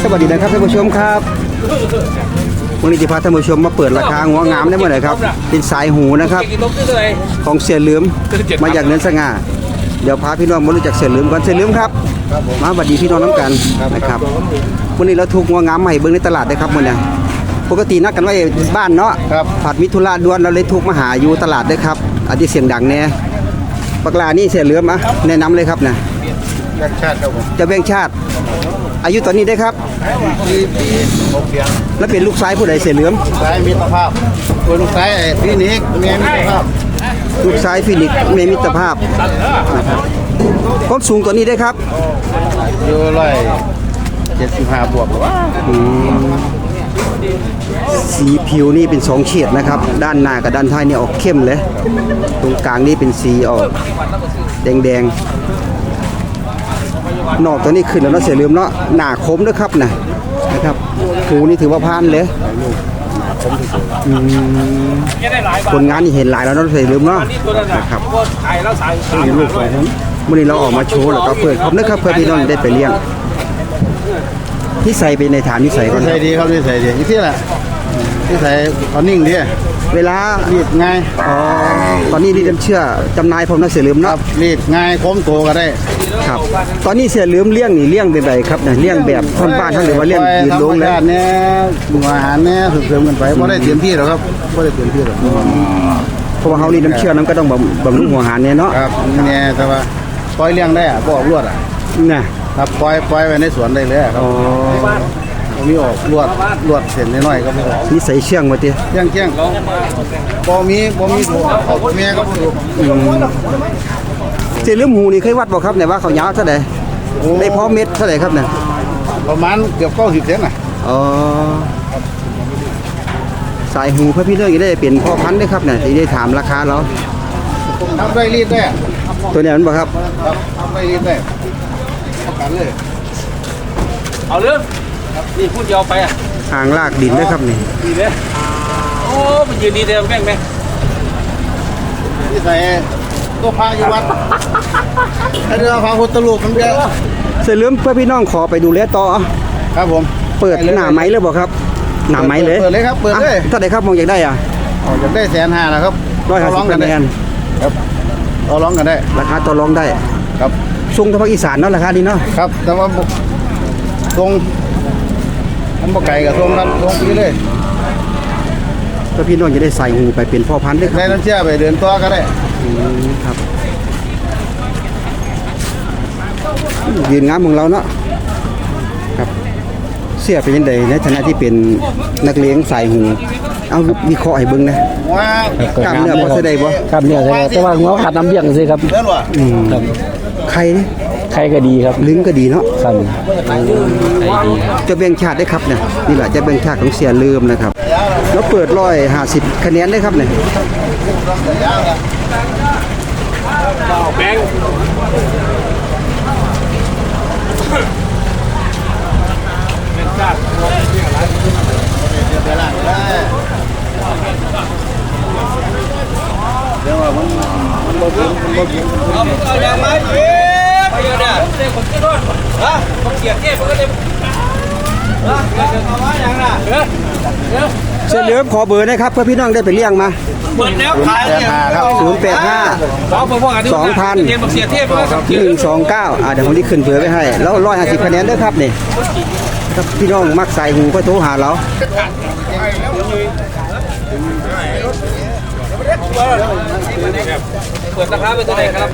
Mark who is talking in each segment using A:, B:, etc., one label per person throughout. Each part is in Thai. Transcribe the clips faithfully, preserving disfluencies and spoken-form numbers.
A: สวัสดีนะครับท่านผู้ชมครับวันนี้จะพาท่านผู้ชมมาเปิดราคาหัวงามได้เมื่อไหร่ครับเป็นสายหูนะครับของเสียเหลือมมาจากเนินสง่าเดี๋ยวพาพี่น้องมารู้จักเสียเหลือมก่อนเสียเหลือมครับมาสวัสดีพี่น้องน้ำกันนะครับวันนี้เราถูกหัวงามใหม่เบิ้งในตลาดได้ครับวันนี้ปกตินัดกันไว้บ้านเนาะผัดมิถุราด่วนเราเลยทุกมาหาอยู่ตลาดได้ครับอาทิเสียงดังแน่ปากลานี่เสียเหลือมอ่ะแนะนำเลยครับนะ
B: แบงชาติครับผม
A: จะแบ่งชาติอายุตอนนี้ได้ครับ
B: ปีปีหกเดือน
A: แล้วเป็นลูกชายผู้ใดเสียเหลือม
B: สายมิตรภาพคนลูกชายฟินิกเมียมิตรภาพ
A: ลูกชายฟินิกเมียมิตรภาพนะครับความสูงตัวนี้ได้ครับ
B: อยู่ร้อยเจ็ดสิบห้าบวกหรือว่า
A: สีผิวนี่เป็นสองเฉดนะครับด้านหน้ากับด้านท้ายนี่ออกเข้มเลยตรงกลางนี่เป็นสีออกแดงๆนอกตัวนี้ขึ้นแล้วเนาะเสียเหลือมเนาะหนาคมด้วยครับนะนะครับหูนี่ถือว่าพานเลยผลงานนี่เห็นหลายแล้วเนาะเสียเหลือมเนาะนะครับวันนี้เราออกมาโชว์แล้วก็เปิดครบนะครับเพื่อพี่น้องได้ไปเลี้ยงที่ใส่ไปในฐานที่ใส่ก่อน
B: ใส่ดีครับที่ใส่ดีที่แหละที่ใส่ตอนนิ่งดี
A: เวลา
B: รีดง่าย
A: อ๋อตอนนี้รีดเชื่อจำนายผมนะเสียเหลือมเนาะ
B: รีดง่ายโค้งโตก็ได้
A: ครับตอนนี้เสียเหลือมเลี้ยงนี่เลี้ยงเป็นไรครับเนี่ยเลี้ยงแบบท่อนบ้านท่านหรือว่าเลี้ยงยืนลงแล้ว
B: เนี่ยอาหารเนี่ยเสริมกันไปไม่ได้เต็มที่หรอกครับไม่ได้เต็มที่หรอก
A: เพราะว่าเขารีดน้ำเชื่อน้ำก็ต้องบำรุงหัวอาหารเนี่ยเนาะ
B: ครับเนี่ยแต่ว่าปล่อยเลี้ยงได้อะบอกรวดอ่ะ
A: นะครับ
B: ปล่อยปล่อยไว้ในสวนได้เลยครับมีออกลวดลวดเส้นน้อยๆก็ไม่ออก
A: นี่ใส่เชื่องมาเตี้ย
B: เชื่องเชื่องบ่มีบ่มีถูกออกเมียก็ถูก
A: เจริญหูนี่เคยวัดบ่ครับเนี่ยว่าเขายาวเท่าไหร่ได้พอเม็ดเท่าไหร่ครับเนี่ย
B: ประมาณเกือบเก้าสิบเซนน่ะ
A: อ๋อสายหูเพื่อพี่เลือกจะได้เปลี่ยนพ่อพันธุ์ได้ครับเนี่ยที่ได้ถามราคาเรา
B: ทำได้รีดได้
A: ตัวนี้มันบ่ครับ
B: ทำได้รีดได้ประกันเลย
C: เอาเรื่องนี่พูดยาวไปอ่ะ
A: ห่างลากดินนะครับนี่
C: ดีเลยโอ้มันยืนดีเดียวแม่งไหม
B: ที่ใส่ตัวพาอยู่วัดไอเรือพาพุทธลูกมันเยอะ
A: เสร็จเรื่องเพื่อพี่น้องขอไปดูแลต่อ
B: ครับผม
A: เปิดหน้าไม้เลยบอกครับหน้าไม้เลย
B: เปิดเลยครับเปิดเลย
A: ถ้าได้ครับมองอยากได้อ่ะ
B: อยากได้แสนห้านะครับ
A: ร้อยห้าสิบคะแนน
B: ครับต่อรองกันได้
A: ราคาต่อรองได้
B: ครับ
A: ทรงทางภาคอีสานเนาะราคาดีเนาะ
B: ครับแต่ว่าทรงผมบอกไก่กับทรงนั้นทรงปีเลย
A: ก็พี่น้องจะได้ใส่หูไปเป็นพ่อพันธุ์ด้วยครับ
B: ได้น้ำเชื่อไปเดินตัวก็ได้
A: ครับยืนงามของเราเนาะครับเสียเป็นยังไงในฐานะที่เป็นนักเลี้ยงใส่หูเอาวิเคราะห์ให้เบิ่งนะกล้ามเนื้อพอจะได้บ่
D: กล้ามเนื้อแต่ว่าหัวขาดน้ำเลี้ยงสิครับ
A: ครับไข่
D: ไข่ก็ดีครับ
A: ลิ้นก็ดีเนาะ
D: ครับ
A: จะแบ่งชาติได้ครับเนี่ยนี่แหละจะแบ่งชาติของเสียลืมนะครับแล้วเปิดร้อยห้าสิบคะแนนได้ครับเนี่ย
C: แบง
B: เดี๋ยวว่ามันมันบ่กินมันบ่กิน
C: เอาเอาอย่างไรเอ๊ะไปอยู่เนี่ยผมคิดว่าฮะผมเกียดเก็บผมก็จะฮะเดี๋ยวเอาไว้อย่างน่ะเดี๋ยวเดี๋ยว
A: เสียเหลือขอเบอร์นะครับเพื่อพี่น้องได้ไปเลี้ยงมา
C: เปิดแล้วขายเนี่ย
A: ศูนย์แปดห้าสองพันหนึ่งสองเก้าอ่าเดี๋ยวผมที่ขึ้นเผื่อไว้ให้แล้วร้อยห้าสิบคะแนนด้วยครับนี่ถ้าพี่น้องมักใส่หูก็โทรหาเรา
C: เปิดราคาเป็นตัวไหนครับ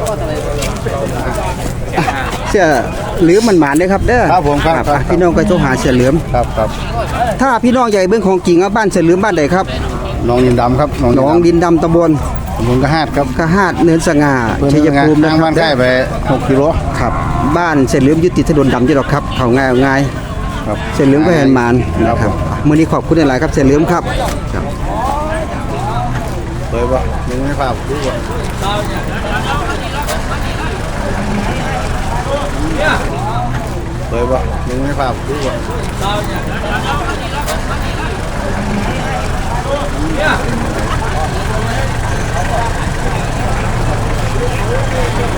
A: เสื้อเหลือมมันหมานเลยครับเด้อ
B: ครับผมครับ
A: พี่น้องก็โทรหาเสื้อเหลือม
B: ครับครับ
A: ถ้าพี่น้องใหญ่เบื้องของจริงอ่ะบ้านเสื้อเหลือมบ้านใดครับ
B: หนองดินดำครับ
A: หนองดินดำตำบล
B: ตำบลกระหาดครับ
A: กระหาดเนินสง่าชัยภูมิ
B: นะครับบ้านใกล้ไปหกกิโล
A: ครับบ้านเสื้อเหลือมยึดติดถนนดำจีหรอกครับเขาง่ายง่าย
B: ครับ
A: เสื้อเหลือมก็เห็นหมานนะครับมื้อนี้ขอบคุณหลายครับเสื้อเหลือมครับ
B: เลยป่ะมึงไม่ฝากดูป่ะเลยป่ะมึงไม่ฝากดูป่ะ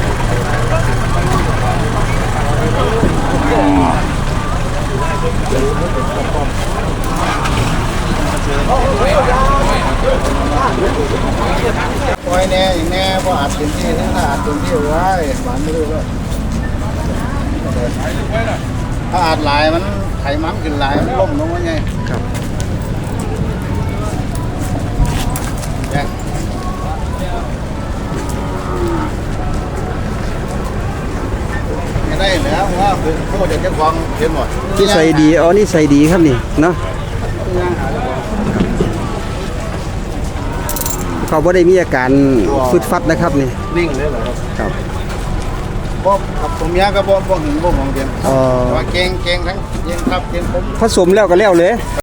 C: เนี่ย
B: ตรงที่ไว้หวานไม่รู้ว่าถ้าอาดหลายมันไขมันขึ้นหลายมันล่มลงมาไง
A: ครับ
B: แจ้งไม่ได้แล้วว่าคือเขาจะเจ้าของเห็นหมด
A: นี่ใส่ดีอ๋อนี่ใส่ดีครับนี่เนาะเขาบ่ได้มีอาการฟึดฟัดนะครับนี่
B: นิ่งเลยเหรอครับ
A: ครับ
B: บ่กับผมยาก็บ่บ่หึงบ่หวงเดียน
A: อ๋อ
B: ว่าเก่งเก่งทั้งเก่งครับเก่งผม
A: ผสมแล้วก็แล้วเลย